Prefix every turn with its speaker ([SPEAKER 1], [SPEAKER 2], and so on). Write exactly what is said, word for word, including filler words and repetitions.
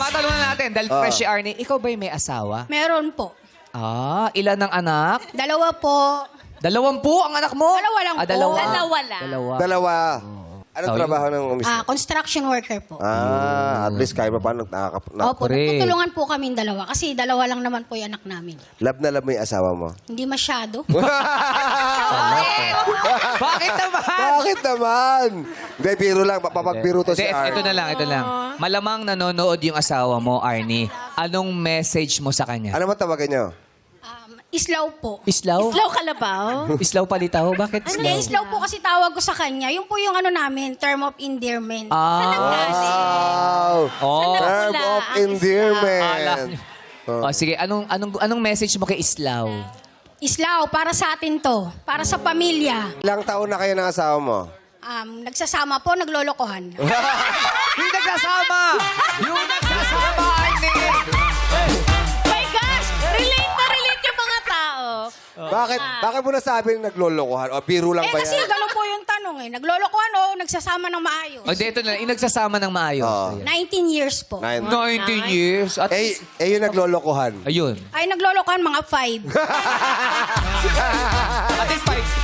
[SPEAKER 1] matanong na natin, dahil
[SPEAKER 2] Ah.
[SPEAKER 1] fresh si Arnie, ikaw ba'y may asawa?
[SPEAKER 3] Meron po.
[SPEAKER 1] Ah, ilan ng anak?
[SPEAKER 3] Dalawa po.
[SPEAKER 1] Dalawampu ang anak mo?
[SPEAKER 3] Dalawa lang
[SPEAKER 1] ah,
[SPEAKER 3] po.
[SPEAKER 1] dalawa.
[SPEAKER 4] Dalawa lang.
[SPEAKER 1] Dalawa.
[SPEAKER 2] Dalawa. Anong
[SPEAKER 1] Oh,
[SPEAKER 2] trabaho ng umis?
[SPEAKER 3] Ah, construction worker po.
[SPEAKER 2] Ah, at least kahit pa paano nakaka... Na,
[SPEAKER 3] Opo,
[SPEAKER 1] correct.
[SPEAKER 3] nagtutulungan po kaming dalawa kasi dalawa lang naman po yung anak namin.
[SPEAKER 2] love na love mo yung asawa mo.
[SPEAKER 3] Hindi masyado.
[SPEAKER 1] Bakit naman?
[SPEAKER 2] Bakit naman? Hindi, biro lang. Papagbiro to si
[SPEAKER 1] Hindi,
[SPEAKER 2] Ar.
[SPEAKER 1] ito na lang, ito lang. Malamang nanonood yung asawa mo, Arnie. Anong message mo sa kanya?
[SPEAKER 2] Ano man tawagan nyo?
[SPEAKER 3] Um, islaw po.
[SPEAKER 1] Islaw?
[SPEAKER 4] Slow kalabaw.
[SPEAKER 1] Islaw palitaw? Bakit
[SPEAKER 3] Hindi,
[SPEAKER 1] islaw?
[SPEAKER 3] islaw po kasi tawag ko sa kanya. Yung po yung ano namin, term of endearment.
[SPEAKER 1] Ah.
[SPEAKER 2] Wow!
[SPEAKER 1] Oh.
[SPEAKER 2] Term
[SPEAKER 4] Wala,
[SPEAKER 2] of
[SPEAKER 4] ang
[SPEAKER 2] endearment.
[SPEAKER 1] Oh, sige, anong anong anong message mo kay Islaw?
[SPEAKER 3] Islaw, para sa atin to. Para sa pamilya.
[SPEAKER 2] Ilang taon na kayo ng asawa mo?
[SPEAKER 3] Um, nagsasama po, naglolokohan.
[SPEAKER 1] Yung nagsasama! Yung nagsasama, Arnie!
[SPEAKER 4] My gosh! Relate na relate yung mga tao.
[SPEAKER 2] Bakit? Bakit mo nasabi na naglolokohan? O biro lang
[SPEAKER 3] Eh
[SPEAKER 2] ba
[SPEAKER 3] kasi
[SPEAKER 2] yan?
[SPEAKER 3] gano'n po yung tanong eh. Naglolokohan o nagsasama ng maayos?
[SPEAKER 1] O, di, ito na lang. Yung nagsasama ng maayos.
[SPEAKER 2] Oo.
[SPEAKER 1] Ayan.
[SPEAKER 3] nineteen years po.
[SPEAKER 2] Nine.
[SPEAKER 1] nineteen years. At
[SPEAKER 2] Eh, eh yung naglolokohan.
[SPEAKER 1] ayun.
[SPEAKER 3] Ay, naglolokohan mga five.
[SPEAKER 1] At least five.